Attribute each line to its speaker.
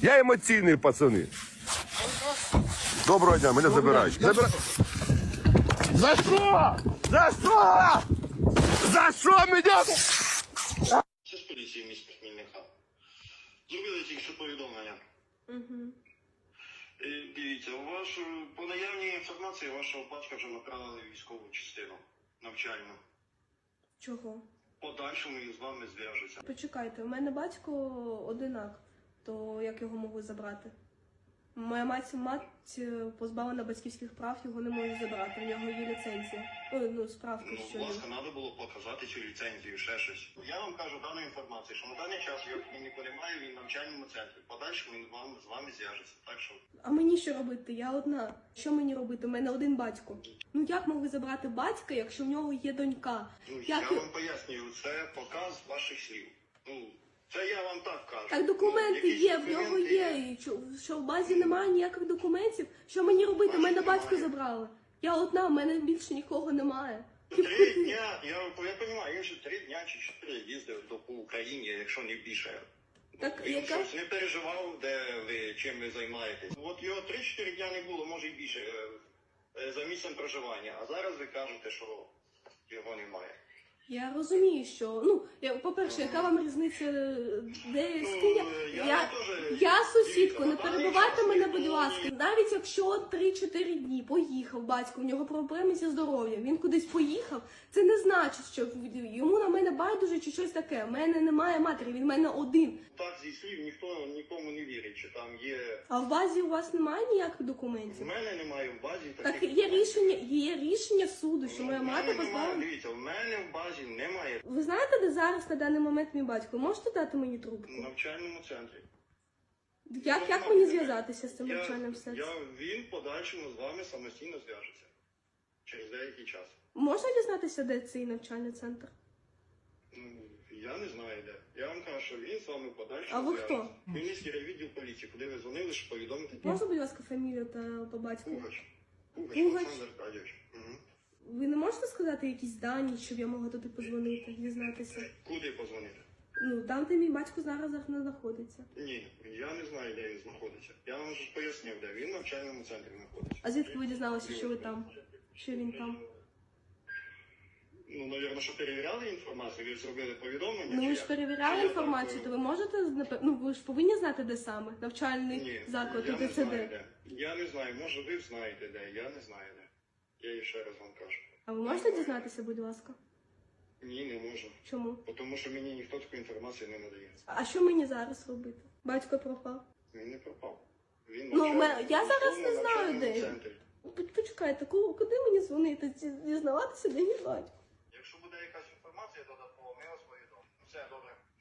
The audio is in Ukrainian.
Speaker 1: Я емоційний, пацани. Доброго дня, мене забирають. За що? За що? За що мене?
Speaker 2: Це з поліції міста Хмільника. Зробили тільки що повідомлення. Дивіться, по наявній інформації вашого батька вже направили в військову частину навчальну.
Speaker 3: Чого?
Speaker 2: Подальшому і з вами зв'яжуться.
Speaker 3: Почекайте, у мене батько одинак, то як його могли забрати? Моя мать позбавлена батьківських прав, його не можуть забрати, в нього є ліцензія. Справка,
Speaker 2: Ну,
Speaker 3: що
Speaker 2: будь ласка, треба було показати цю ліцензію, ще щось. Я вам кажу дану інформацію, що на даний час його ніхто немає, він в навчальному центрі. Подальшому він з вами зв'яжеться. Так що...
Speaker 3: А мені що робити? Я одна. Що мені робити? У мене один батько. Ну як могли забрати батька, якщо в нього є донька?
Speaker 2: Я вам пояснюю, це показ ваших слів. Це я вам так кажу.
Speaker 3: Так документи є, в нього є. І що в базі немає ніяких документів? Що мені робити? Мене батько забрали. Я одна, в мене більше нікого немає.
Speaker 2: 3 дня, я розумію, він вже 3 дня чи 4 їздив по Україні, якщо не більше.
Speaker 3: Так,
Speaker 2: Він щось не переживав, чим ви займаєтесь. От його 3-4 дня не було, може і більше, за місцем проживання. А зараз ви кажете, що його немає.
Speaker 3: Я розумію, що, по-перше, яка вам різниця, де з ким я сусідко, не перебивайте мене, будь ласка. Навіть якщо 3-4 дні поїхав батько, в нього проблеми зі здоров'ям, він кудись поїхав, це не значить, що йому на мене байдуже чи щось таке. У мене немає матері, він в мене один.
Speaker 2: Так, зі слів ніхто нікому не вірить, що там є...
Speaker 3: А в базі у вас немає ніяких документів?
Speaker 2: У мене немає в базі таких...
Speaker 3: Так, є рішення суду, що моя мати позбавлена.
Speaker 2: Дивіться, в мене в базі немає.
Speaker 3: Ви знаєте, де зараз на даний момент мій батько? Можете дати мені трубку?
Speaker 2: В навчальному центрі.
Speaker 3: Як мені зв'язатися з цим навчальним центром?
Speaker 2: Він в подальшому з вами самостійно зв'яжеться. Через деякий час.
Speaker 3: Можна дізнатися, де цей навчальний центр?
Speaker 2: Я не знаю де. Я вам кажу, що він з вами в подальшому
Speaker 3: А ви
Speaker 2: зв'яжеться.
Speaker 3: хто?
Speaker 2: Хмельницький райвідділ поліції, куди ви дзвонили, щоб повідомити.
Speaker 3: Можна, будь ласка, фамілію та по батьку?
Speaker 2: Пугач.
Speaker 3: Пугач.
Speaker 2: Олександр Аркадійович.
Speaker 3: Ви не можете сказати якісь дані, щоб я могла туди позвонити, дізнатися?
Speaker 2: Куди позвонити?
Speaker 3: Там, де мій батько зараз не знаходиться.
Speaker 2: Ні, я не знаю, де він знаходиться. Я вам вже пояснив, де він в навчальному центрі знаходиться.
Speaker 3: А звідки ви дізналися, що ви там? Що він там?
Speaker 2: Навірно, що перевіряли інформацію, ви зробили повідомлення?
Speaker 3: Ви ж перевіряли інформацію, то ви можете, ви ж повинні знати, де саме? Навчальний заклад,
Speaker 2: я не
Speaker 3: ТЦД.
Speaker 2: знаю, де. Я не знаю, може ви знаєте де, я не знаю де. Я ще раз вам кажу.
Speaker 3: А ви можете дізнатися, будь ласка?
Speaker 2: Ні, не можу.
Speaker 3: Чому?
Speaker 2: Тому що мені ніхто таку інформацію не надає.
Speaker 3: А що мені зараз робити? Батько пропав.
Speaker 2: Він не пропав. Він
Speaker 3: Я зараз не знаю,
Speaker 2: навчальному
Speaker 3: де.
Speaker 2: центрі.
Speaker 3: Почекайте, куди мені дзвонити? Дізнаватися, де мій батько?
Speaker 2: Якщо буде якась інформація додаткова, ми вас повідомимо. Все, добре.